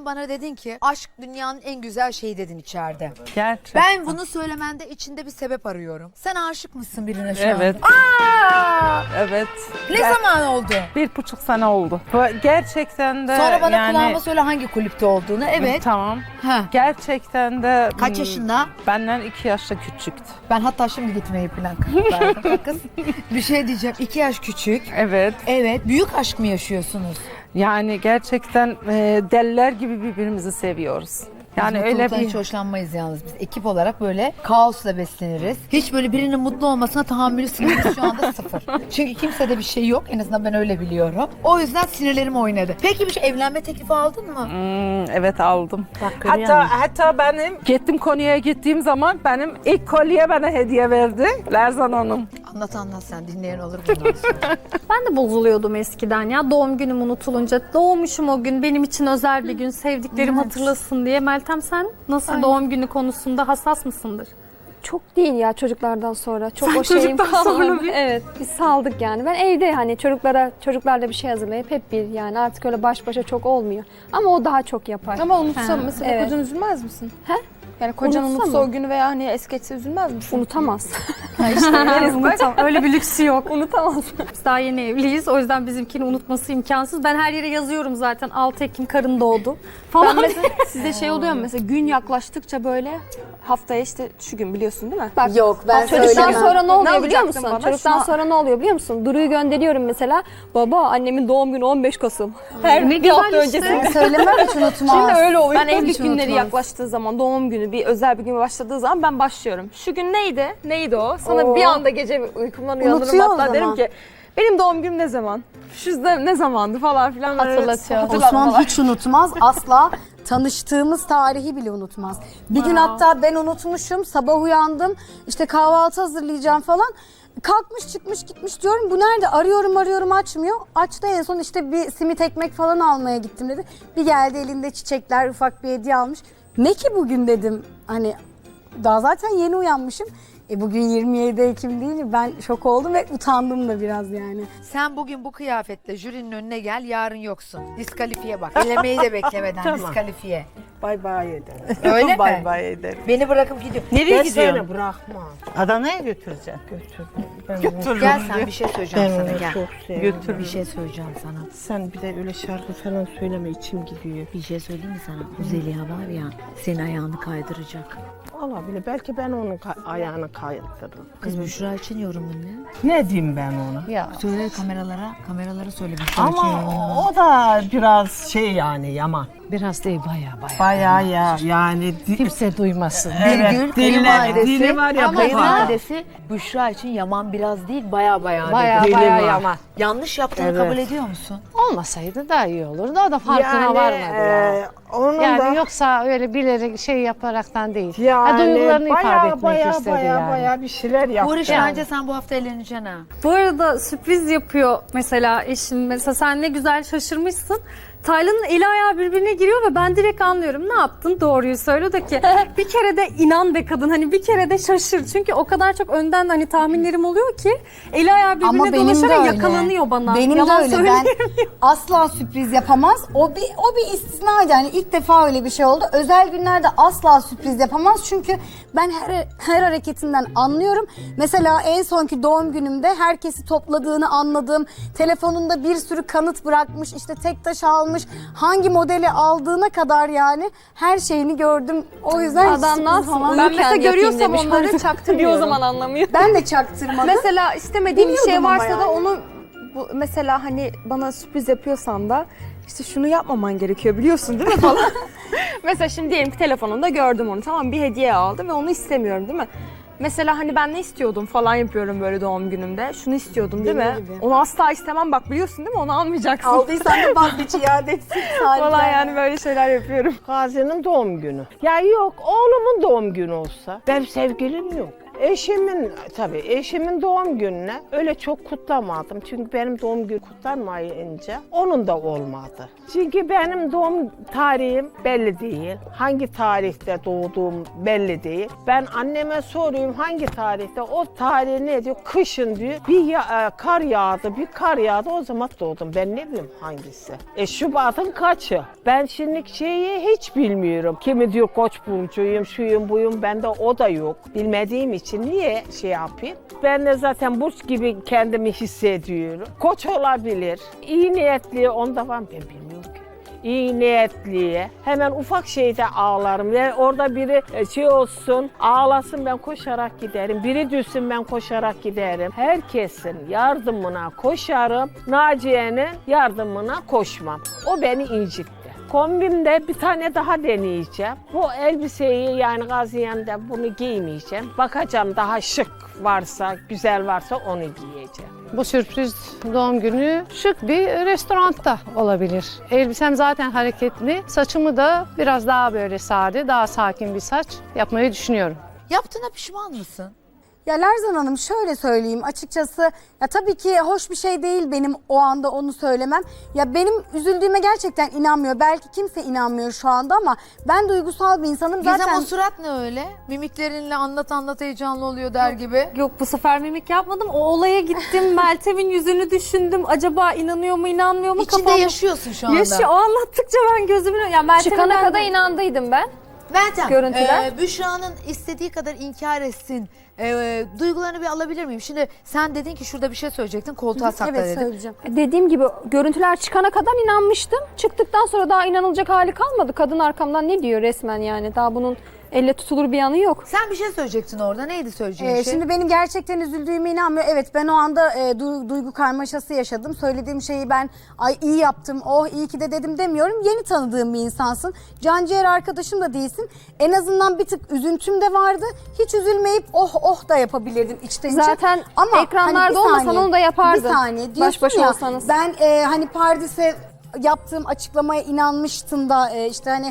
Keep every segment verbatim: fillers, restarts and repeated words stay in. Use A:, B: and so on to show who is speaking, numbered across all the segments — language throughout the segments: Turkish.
A: Sen bana dedin ki aşk dünyanın en güzel şeyi dedin içeride.
B: Gerçekten.
A: Ben bunu söylemende içinde bir sebep arıyorum. Sen aşık mısın birine şu an?
B: Evet.
A: Aa!
B: Evet.
A: Ne
B: Ger-
A: zaman oldu?
B: Bir buçuk sene oldu. Gerçekten de
A: Sonra bana
B: yani...
A: kulağıma söyle hangi kulüpte olduğunu. Evet.
B: Tamam.
A: Ha.
B: Gerçekten de...
A: Kaç
B: hmm,
A: yaşında?
B: Benden iki yaşta küçüktü.
A: Ben hatta şimdi gitmeyi plan verdim. Kız bir şey diyeceğim. İki yaş küçük.
B: Evet.
A: Evet. Büyük aşk mı yaşıyorsunuz?
B: Yani gerçekten e, deliler gibi birbirimizi seviyoruz. Yani
A: Biz
B: öyle
A: mutluluktan
B: bir...
A: hiç hoşlanmayız yalnız biz. Ekip olarak böyle kaosla besleniriz. Hiç böyle birinin mutlu olmasına tahammülü sinirimiz şu anda sıfır. Çünkü kimsede bir şey yok. En azından ben öyle biliyorum. O yüzden sinirlerim oynadı. Peki bir şey evlenme teklifi aldın mı?
B: Hmm, evet aldım.
A: Bak, görüyor
B: hatta
A: musun?
B: hatta benim gittim Konya'ya gittiğim zaman benim ilk kolye bana hediye verdi Lerzan Hanım.
A: Anlat anlat sen dinleyen olur bundan sonra.
C: Ben de bozuluyordum eskiden ya. Doğum günüm unutulunca. Doğmuşum o gün. Benim için özel bir gün. Sevdiklerim
A: Evet.
C: hatırlasın diye. Meltem sen nasıl
A: Aynen.
C: doğum günü konusunda hassas mısındır?
D: Çok değil ya çocuklardan sonra. Çok
C: Sen
D: o şeyim
C: çocuktan
D: kalmadı.
C: sonra bir-
D: Evet, biz saldık yani. Ben evde hani çocuklara çocuklarla bir şey hazırlayıp hep bir yani artık öyle baş başa çok olmuyor. Ama o daha çok yapar.
E: Ama unutsa
C: Ha,
E: mesela
D: evet.
E: kocan üzülmez misin?
D: He?
E: Yani kocan
D: Unutsa
E: unutsa
D: mı?
E: o günü veya hani es geçse üzülmez misin?
D: Unutamaz.
C: Unutam. Öyle bir lüksü yok.
D: Unutamaz.
C: Biz daha yeni evliyiz. O yüzden bizimkini unutması imkansız. Ben her yere yazıyorum zaten. altı Ekim karın doğdu falan.
E: Ben mesela size şey oluyor mu mesela gün yaklaştıkça böyle haftaya işte şu gün biliyorsun değil mi?
D: Bak,
A: Yok ben
D: Çocuktan
A: söylemem.
D: sonra ne oluyor biliyor
E: yapacaktın
D: musun?
E: bana?
D: Çocuktan
E: Şuna-
D: sonra ne oluyor biliyor musun? Duru'yu gönderiyorum mesela. Baba annemin doğum günü on beş Kasım. Her
C: Ne
D: bir
C: güzel
D: hafta
C: işte.
D: öncesi.
A: Söylemem hiç unutmaz.
D: Şimdi öyle oluyor.
E: Ben evlilik
A: hiç
E: günleri
A: unutmaz.
E: yaklaştığı zaman doğum günü bir özel bir gün başladığı zaman ben başlıyorum. Şu gün neydi? Neydi o? Sana bir anda gece uykumdan uyanırım
D: Unutuyor o
E: hatta derim
D: zaman.
E: ki benim doğum günüm ne zaman? Şu ne, ne zamandı falan filan. böyle
D: Hatırlatıyor.
E: hatırlatmalar.
F: Osman hiç unutmaz. Asla tanıştığımız tarihi bile unutmaz. Bir gün hatta ben unutmuşum. Sabah uyandım. İşte kahvaltı hazırlayacağım falan. Kalkmış çıkmış gitmiş diyorum. Bu nerede? Arıyorum arıyorum açmıyor. Açtı en son işte bir simit ekmek falan almaya gittim dedi. Bir geldi elinde çiçekler ufak bir hediye almış. Ne ki bugün dedim. Hani daha zaten yeni uyanmışım. E bugün yirmi yedi Ekim değil mi? Ben şok oldum ve utandım da biraz yani.
A: Sen bugün bu kıyafetle jürinin önüne gel, yarın yoksun. Diskalifiye bak. Elemeyi de beklemeden diskalifiye.
G: Bay bay ederim.
A: Öyle mi?
B: Bay bay ederim.
A: Beni bırakıp gidiyor.
G: Nereye gidiyorsun? Bırakma.
H: Adana'ya götüreceğim.
G: Götür. Ben
B: Götürürüm.
A: Gel sen bir şey söyleyeceğim
G: Ben
A: sana
G: onu
A: gel.
G: çok seviyorum.
B: Götürürüm.
A: Bir şey söyleyeceğim sana.
G: Sen bir de öyle şarkı falan söyleme içim gidiyor.
A: Bir şey söyleyeyim mi sana? Bu Zeliha var ya senin ayağını kaydıracak.
G: Olabilir. Belki ben onun ka- ayağını kaydırırım.
A: Kız Büşra için yorumun ne?
G: Ne diyeyim ben ona?
H: Ya
A: Söyle kameralara, kameralara söyle Büşra için
G: Ama
A: yorumun.
G: o da biraz şey yani yaman.
H: biraz değil baya baya.
G: Bayağı ya yani. di-
H: Kimse duymasın.
G: Evet,
A: Birgül
G: dili-
A: kayınvalidesi,
G: dili var ya,
A: ama
G: baba.
A: kayınvalidesi Büşra için yaman biraz değil baya baya
H: Baya
A: dedi.
G: Dili
H: baya
G: var.
H: yaman.
A: Yanlış yaptığını
G: Evet.
A: kabul ediyor musun?
H: Olmasaydı daha iyi olurdu. O da farkına
G: yani,
H: varmadı ya.
G: e, onun
H: Yani
G: da
H: yoksa öyle bilerek şey yaparaktan değil.
G: yani
H: ha, duygularını ifade
G: bayağı
H: etmek
G: bayağı
H: istedi
G: bayağı
H: yani.
G: bayağı bir şeyler yaptı.
A: Uğraş bence sen bu hafta eğleneceksin ha.
C: Bu arada sürpriz yapıyor mesela eşim. Mesela sen ne güzel şaşırmışsın. Taylan'ın eli ayağı birbirine giriyor ve ben direkt anlıyorum. Ne yaptın? Doğruyu söyle de ki bir kere de inan be kadın. Hani bir kere de şaşır. Çünkü o kadar çok önden hani tahminlerim oluyor ki eli ayağı birbirine
F: Ama benim de
C: dolaşarak
F: öyle.
C: yakalanıyor bana.
F: Benim
C: Yalan
F: de öyle. Ben
C: söyleyemiyorum.
F: asla sürpriz yapamaz. O bir o bir istisnaydı. Yani ilk defa öyle bir şey oldu. Özel günlerde asla sürpriz yapamaz. Çünkü ben her her hareketinden anlıyorum. Mesela en sonki doğum günümde herkesi topladığını anladım. Telefonunda bir sürü kanıt bırakmış. İşte tek taş almış. Hangi modeli aldığına kadar yani her şeyini gördüm. O yüzden hiç
D: Adam ne
F: sürpriz
D: yapsın?
F: falan-
E: Ben
D: Uyurken
E: mesela
D: yapayım
E: görüyorsam
D: demiş.
E: onları çaktırmıyor. o zaman anlamıyor.
F: Ben de çaktırmadım.
E: Mesela istemediğim bir şey
F: Biliyordum ama
E: varsa da
F: yani.
E: onu bu, mesela hani bana sürpriz yapıyorsan da işte şunu yapmaman gerekiyor biliyorsun değil mi falan. Mesela şimdi diyelim ki telefonunda gördüm onu, tamam, bir hediye aldı ve onu istemiyorum değil mi? Mesela hani ben ne istiyordum falan yapıyorum böyle doğum günümde. Şunu istiyordum değil mi?
F: Benim gibi.
E: Onu asla istemem bak biliyorsun değil mi? Onu almayacaksın.
F: Aldıysan da vazgeç iade etsin.
E: Falan yani böyle şeyler yapıyorum.
G: Gazi'nin doğum günü. Ya yok oğlumun doğum günü olsa. Benim sevgilim yok. Eşimin, tabii eşimin doğum gününe öyle çok kutlamadım. Çünkü benim doğum günü kutlanmayınca onun da olmadı. Çünkü benim doğum tarihim belli değil. Hangi tarihte doğduğum belli değil. Ben anneme soruyorum hangi tarihte, o tarih ne diyor? Kışın diyor. Bir ya- e, kar yağdı, bir kar yağdı, o zaman doğdum. Ben ne bileyim hangisi? E Şubat'ın kaçı? Ben şimdi şeyi hiç bilmiyorum. Kimi diyor Koç burcuyum, şuyum buyum, bende o da yok. Bilmediğim için niye şey yapayım? Ben de zaten burç gibi kendimi hissediyorum. Koç olabilir. İyi niyetli onda var mı? Ben bilmiyorum ki. İyi niyetliye hemen ufak şeyde ağlarım. Yani orada biri şey olsun, ağlasın, ben koşarak giderim. Biri düşsün, ben koşarak giderim. Herkesin yardımına koşarım. Naciye'nin yardımına koşmam. O beni incitti. Kombimde bir tane daha deneyeceğim. Bu elbiseyi yani Gaziantep'te bunu giymeyeceğim. Bakacağım daha şık varsa, güzel varsa onu giyeceğim.
H: Bu sürpriz doğum günü şık bir restoranda olabilir. Elbisem zaten hareketli. Saçımı da biraz daha böyle sade, daha sakin bir saç yapmayı düşünüyorum.
A: Yaptığına pişman mısın?
F: Ya Lerzan Hanım şöyle söyleyeyim açıkçası, ya tabii ki hoş bir şey değil benim o anda onu söylemem. Ya benim üzüldüğüme gerçekten inanmıyor. Belki kimse inanmıyor şu anda ama ben duygusal bir insanım.
A: Gizem
F: Zaten
A: o surat ne öyle? Mimiklerinle anlat anlat heyecanlı oluyor der gibi.
C: Yok bu sefer mimik yapmadım. O olaya gittim. Meltem'in yüzünü düşündüm. Acaba inanıyor mu inanmıyor mu?
A: İçinde
C: Kafam-
A: yaşıyorsun şu anda.
C: Yaşıyor. O anlattıkça ben gözümün... Ya Meltem'in
D: Çıkana
C: ben-
D: kadar inandıydım ben.
A: Meltem,
D: Görüntüler.
A: e, Büşra'nın istediği kadar inkar etsin. E, duygularını bir alabilir miyim? Şimdi sen dedin ki şurada bir şey söyleyecektin, koltuğa sakla
F: evet
A: dedin.
F: söyleyeceğim.
D: Dediğim gibi görüntüler çıkana kadar inanmıştım. Çıktıktan sonra daha inanılacak hali kalmadı. Kadın arkamdan ne diyor resmen yani. Daha bunun elle tutulur bir yanı yok.
A: Sen bir şey söyleyecektin orada. Neydi söyleyeceğin
F: Ee,
A: şey?
F: Şimdi benim gerçekten üzüldüğüme inanmıyor. Evet ben o anda e, du- duygu karmaşası yaşadım. Söylediğim şeyi ben ay iyi yaptım, oh iyi ki de dedim demiyorum. Yeni tanıdığım bir insansın. Canciğer arkadaşım da değilsin. En azından bir tık üzüntüm de vardı. Hiç üzülmeyip oh oh da yapabilirdin içten içe.
D: Zaten
F: Ama
D: ekranlarda
F: hani bir
D: olmasan
F: saniye,
D: onu da yapardın.
F: Bir saniye diyorsun
D: Baş başa
F: ya,
D: olsanız.
F: ben e, hani Pardis'e yaptığım açıklamaya inanmıştın da e, işte hani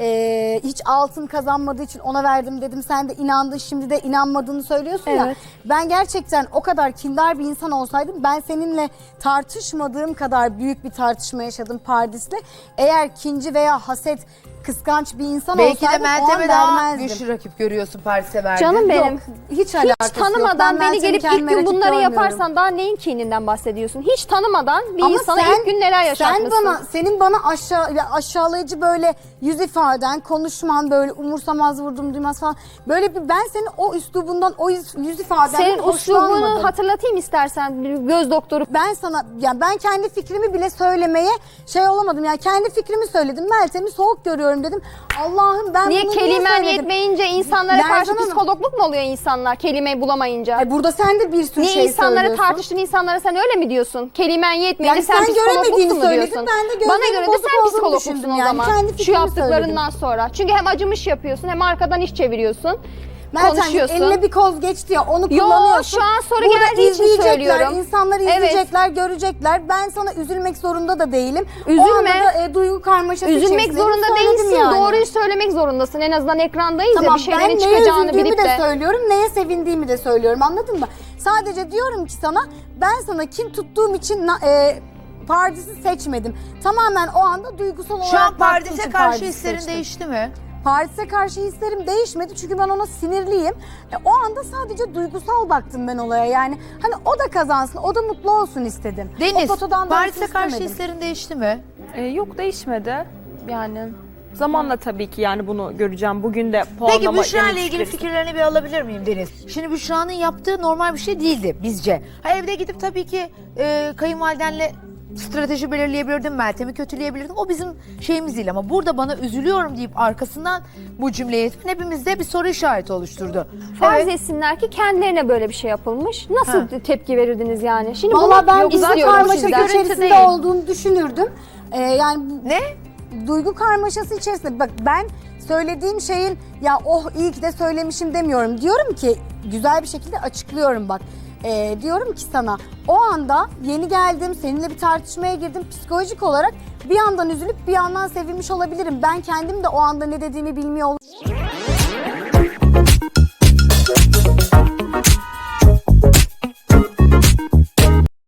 F: e, hiç altın kazanmadığı için ona verdim dedim. Sen de inandın, şimdi de inanmadığını söylüyorsun ya.
D: Evet.
F: Ben gerçekten o kadar kindar bir insan olsaydım, ben seninle tartışmadığım kadar büyük bir tartışma yaşadım Pardis'le. Eğer kinci veya haset, kıskanç bir insan
A: Belki de
F: olsaydım o an
A: Meltem'e daha
F: vermezdim.
A: güçlü rakip görüyorsun Paris'e verdin.
D: Canım benim.
F: Yok, hiç
D: Hiç
F: alakası yok.
D: tanımadan
F: Ben
D: beni
F: Meltem'i
D: gelip ilk
F: kendime
D: gün
F: rakip
D: bunları
F: görmüyorum.
D: yaparsan daha neyin kininden bahsediyorsun? Hiç tanımadan bir
F: Ama
D: insana
F: sen-
D: ilk gün neler yaşatmışsın?
F: Sen bana, senin bana aşağı, ya aşağılayıcı böyle yüz ifaden, konuşman böyle umursamaz, vurdum duymaz falan. Böyle bir, ben senin o üslubundan, o yüz, yüz ifadenden
D: Senin
F: hoşlanmadım.
D: uslubunu hatırlatayım istersen, bir göz doktoru.
F: Ben sana, yani ben kendi fikrimi bile söylemeye şey olamadım. Yani kendi fikrimi söyledim. Meltem'i soğuk görüyorum dedim. Allah'ım ben
D: Niye
F: bunu
D: kelimen
F: söyledim?
D: yetmeyince insanlara
F: Lerzan
D: karşı
F: Hanım-
D: psikologluk mu oluyor insanlar kelimeyi bulamayınca?
F: Ay burada sen de bir sürü
D: Niye
F: şey
D: insanları
F: söylüyorsun.
D: tartıştığın insanlara sen öyle mi diyorsun? Kelimen yetmeyince
F: Yani
D: sen,
F: sen
D: psikologluksun
F: göremediğini
D: mu
F: söyledin,
D: diyorsun?
F: ben de gözlerimin
D: Bana göre de
F: bozuk
D: sen
F: olduğunu
D: psikologlusun
F: düşündüm
D: o
F: yani.
D: zaman.
F: Kendi
D: Şu
F: fikrimi
D: yaptıklarından sonra. Çünkü hem acımış yapıyorsun hem arkadan iş çeviriyorsun.
F: Meltem
D: konuşuyorsun.
F: eline bir koz geçti ya, onu
D: Yo,
F: kullanıyorsun.
D: şu an soru
F: Burada
D: geldiği için
F: izleyecekler,
D: söylüyorum.
F: İnsanlar
D: Evet.
F: izleyecekler, görecekler. Ben sana üzülmek zorunda da değilim. O
D: Üzülme.
F: anda da e, duygu karmaşası
D: Üzülmek
F: içerisindeyim,
D: zorunda
F: söyledim
D: değilsin.
F: yani.
D: Doğruyu söylemek zorundasın. En azından ekrandayız
F: Tamam,
D: ya bir şeylerin
F: ben neye
D: çıkacağını
F: üzüldüğümü
D: bilip
F: de
D: de.
F: söylüyorum, neye sevindiğimi de söylüyorum, anladın mı? Sadece diyorum ki sana, ben sana kin tuttuğum için na- e, Pardis'i seçmedim. Tamamen o anda duygusal olarak
A: Şu an
F: baktığım
A: Paris'e
F: için
A: karşı
F: Pardis'i
A: hislerin
F: seçtim.
A: değişti mi?
F: Paris'e karşı hislerim değişmedi çünkü ben ona sinirliyim. E, o anda sadece duygusal baktım ben olaya, yani hani o da kazansın, o da mutlu olsun istedim.
A: Deniz,
F: O potadan
A: Paris'e
F: dönsün
A: karşı
F: istemedim.
A: hislerin değişti mi?
E: Ee, yok değişmedi. Yani zamanla tabii ki yani bunu göreceğim. Bugün de puanlama...
A: Peki Büşra
E: yemek
A: ile ilgili
E: süresi-
A: fikirlerini bir alabilir miyim Deniz? Şimdi Büşra'nın yaptığı normal bir şey değildi bizce. Ha, evde gidip tabii ki e, kayınvalidenle strateji belirleyebilirdim, Meltem'i kötüleyebilirdim. O bizim şeyimiz değil ama burada bana üzülüyorum deyip arkasından bu cümleyi etmen hepimizde bir soru işareti oluşturdu.
D: Farz
A: Evet.
D: etsinler ki kendilerine böyle bir şey yapılmış. Nasıl
A: Ha.
D: tepki verirdiniz yani? Şimdi
F: Valla
D: bunu
F: ben
D: yok
F: güzel
D: istiyorum
F: karmaşa
D: sizden.
A: görüntü
F: içerisinde
A: değil.
F: olduğunu düşünürdüm. Ee, yani bu-
A: Ne?
F: duygu karmaşası içerisinde, bak ben söylediğim şeyin ya oh iyi ki de söylemişim demiyorum. Diyorum ki güzel bir şekilde açıklıyorum bak. Ee, diyorum ki sana o anda yeni geldim, seninle bir tartışmaya girdim, psikolojik olarak bir yandan üzülüp bir yandan sevinmiş olabilirim. Ben kendim de o anda ne dediğimi bilmiyor olabilirim.